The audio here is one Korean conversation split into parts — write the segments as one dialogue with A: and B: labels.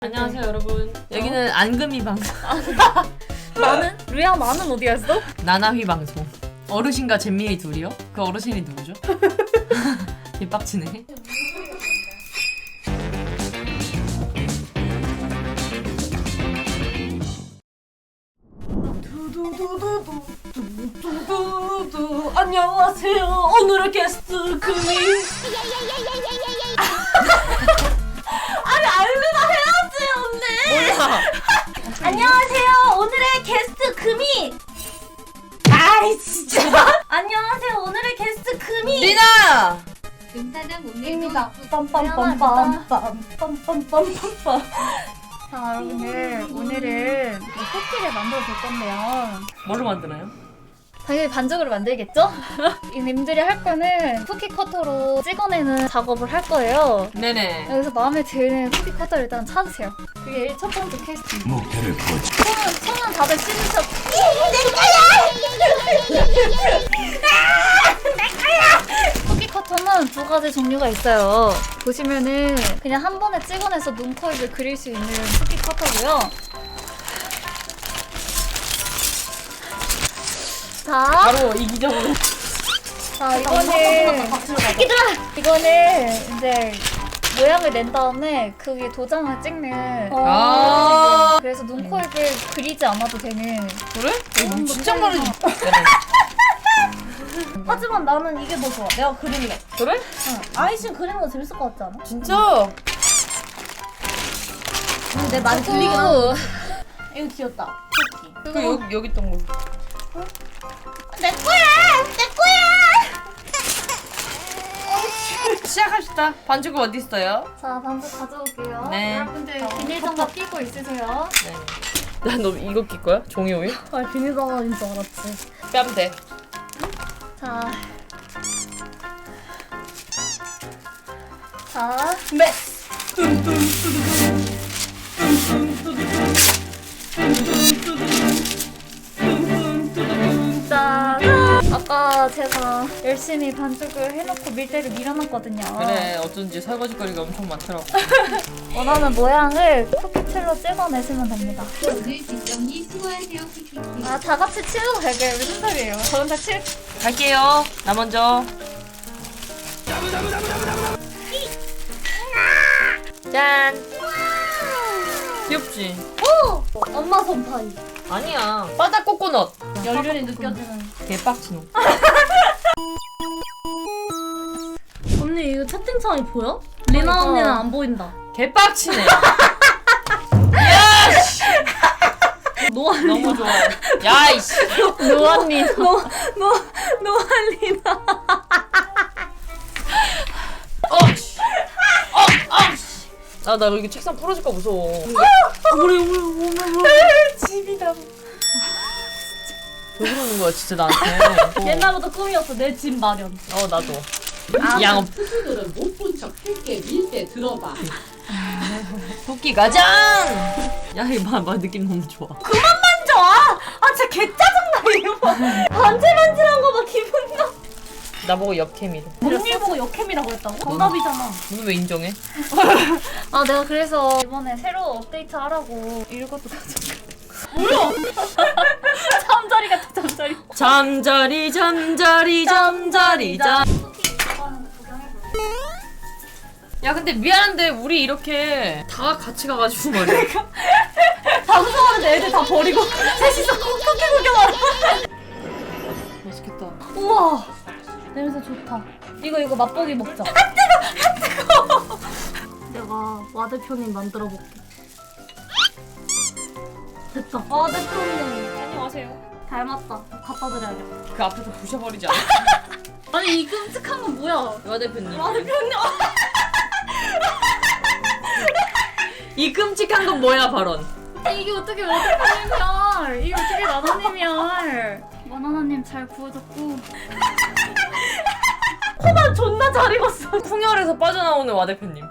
A: 안녕하세요 여러분. 여기는 안금이 방송.
B: 나는? 루야 나는 어디 갔어?
A: 나나휘 방송. 어르신과 잼미의 둘이요? 그 어르신이 누구죠? 개빡치네. 두두두두두두두두 안녕하세요. 오늘의 게스트 금이. 아니 알르나 해야지 언니. 몰라.
B: 안녕하세요. 오늘의 게스트 금이. 아이 진짜. 안녕하세요. 오늘의 게스트 금이.
A: 리나.
C: 금사장
B: 입니다.
C: 오늘도
B: 빰빰빰빰빰빰빰빰빰. 자 여러분들 오늘은 쿠키를 만들어 볼 건데요.
A: 뭘로 만드나요?
B: 당연히 반죽으로 만들겠죠? 이 님들이 할 거는 쿠키 커터로 찍어내는 작업을 할 거예요.
A: 네네.
B: 여기서 마음에 드는 쿠키 커터를 일단 찾으세요. 그게 첫 번째 퀘스트입니다.
D: 목표를 포착.
B: 손은 다들 씻으셨. 쿠키 커터는 두 가지 종류가 있어요. 보시면은 그냥 한 번에 찍어내서 눈코입을 그릴 수 있는 쿠키 커터고요. 자,
A: 바로 이기적으로.
B: 자 이거는 이거는 이제 모양을 낸 다음에 그게 도장을 찍는.
A: 아.
B: 그래서 눈코입을 그리지 않아도 되는.
A: 그래? 이거 진짜 많이.
E: 하지만 나는 이게 더 좋아. 내가 그릴래.
A: 그래?
E: 응. 아이신 그리는 거 재밌을 것 같지 않아?
A: 진짜?
E: 내 말이 들리긴 하고. 이거 귀엽다. 토끼.
A: 그 여기 있던 거.
E: 내 거야! 내 거야!
A: 시작합시다. 반죽은 어디 있어요?
B: 자 반죽 가져올게요.
A: 네.
B: 여러분들 비닐장갑 끼고 있으세요.
A: 네. 나 너 이거 낄 거야? 종이 오일?
E: 아, 비닐장갑인 줄 알았지.
A: 뺨 돼.
B: 자. 자.
E: 네.
B: 자. 아까 제가 열심히 반죽을 해놓고 밀대를 밀어놨거든요.
A: 그래 어쩐지 설거지거리가 엄청 많더라고.
B: 원하는 모양을 쿠키틀로 찍어내시면 됩니다.
C: 오늘 뒷정리 수고하세요 키키키.
B: 아, 다 같이 치우고 갈게요. 무슨 소리예요? 저 혼자
A: 갈게요. 나 먼저. 짠. 귀엽지?
E: 엄마 손파이.
A: 아니야. 바다 코코넛.
E: 연륜이 느껴지는.
A: 개빡치노.
E: 언니, 이거 채팅창이 보여? 리나 언니는 안 보인다.
A: 개빡치네.
E: 노안
A: 너무 좋아. 야이씨.
B: 노안님.
E: 노안리나.
A: 나 이거 책상 부러질까 무서워.
E: 우리.
B: 집이다.
A: 왜 그러는 거야 진짜 나한테.
E: 옛날부터 꿈이었어. 내 집 마련.
A: 나도. 양업.
F: 스스로는 못 본 척 할게 밀대 들어봐.
A: 토끼 가장. 야 이거 봐 느낌 너무 좋아.
E: 만져! 아, 진짜 개짜증나, 이거 봐. 반질반질한 거 봐, 기분 나.
A: 나보고 역캠이래.
E: 언니 보고 역캠이라고 했다고? 정답이잖아.
A: 너는 왜 인정해?
B: 아, 내가 그래서 이번에 새로 업데이트 하라고 이것도 가져올게.
E: 잠자리 같아, 잠자리.
A: 잠자리 잠자리 잠자리 잠. 야 근데 미안한데 우리 이렇게 다 같이 가가지고 말이야.
E: 방송하는데 애들 다 버리고 셋이서 쿠키 구경하러.
A: 맛있겠다.
E: 우와, 냄새 좋다. 이거 맛보기 먹자. 아 뜨거. 내가 와 대표님 만들어 볼게. 됐다. 와 대표님
A: 안녕하세요.
E: 닮았다. 갖다 드려야겠다.
A: 그 앞에서 부셔버리지 않아?
E: 아니 이 끔찍한 건 뭐야?
A: 와 대표님.
E: 와 대표님.
A: 이 끔찍한 건 뭐야 발언?
B: 이게 어떻게 와대표님이야? 이게 어떻게 나나님이야? 와나나님 잘 구워졌고.
E: 코만 존나 잘 익었어.
A: 풍열에서 빠져나오는 와 대표님.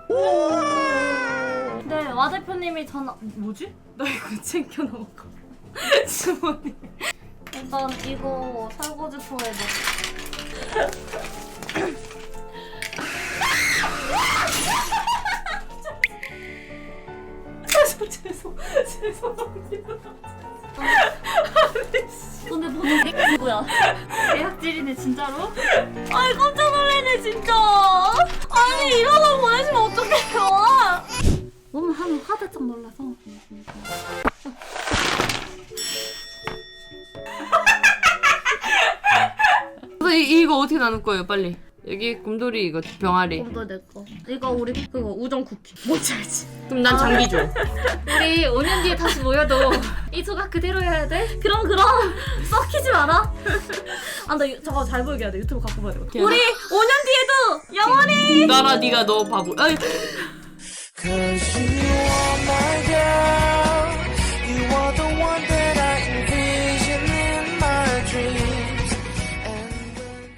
E: 네, 와 대표님이 전화. 뭐지? 나 이거 챙겨 놓을까? 주머니. 일단 이거 설거지통에 넣어. 죄송합니다.
B: 근데 보는 게 누구야? 대학질이네 진짜로?
E: 아이 깜짝 놀래네 진짜. 아니 이런 걸 보내시면 어떡해요?
B: 너무 하면 화들짝 놀라서.
A: 그래서 이거 어떻게 나눌 거예요 빨리. 여기 곰돌이 이거 병아리.
B: 이거 내 거. 이거 우리 그거 우정 쿠키. 뭔지 알지?
A: 그럼 난 장기 줘.
B: 우리 5년 뒤에 다시 모여도 이 조각 그대로 해야 돼?
E: 그럼 썩히지 마라. 나 저거 잘 보이게 해야 돼. 유튜브 갖고 봐야 돼.
A: 오케이.
E: 우리 5년 뒤에도 영원히.
A: 나라 네가 너 바보. 아이.
D: Cause you are my girl. You are the one that I envision in my dreams. And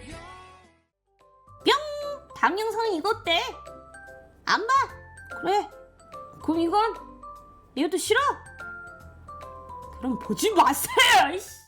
E: 방영상 이거 어때? 안 봐? 그래. 그럼 이건 이것도 싫어? 그럼 보지 마세요. 이씨.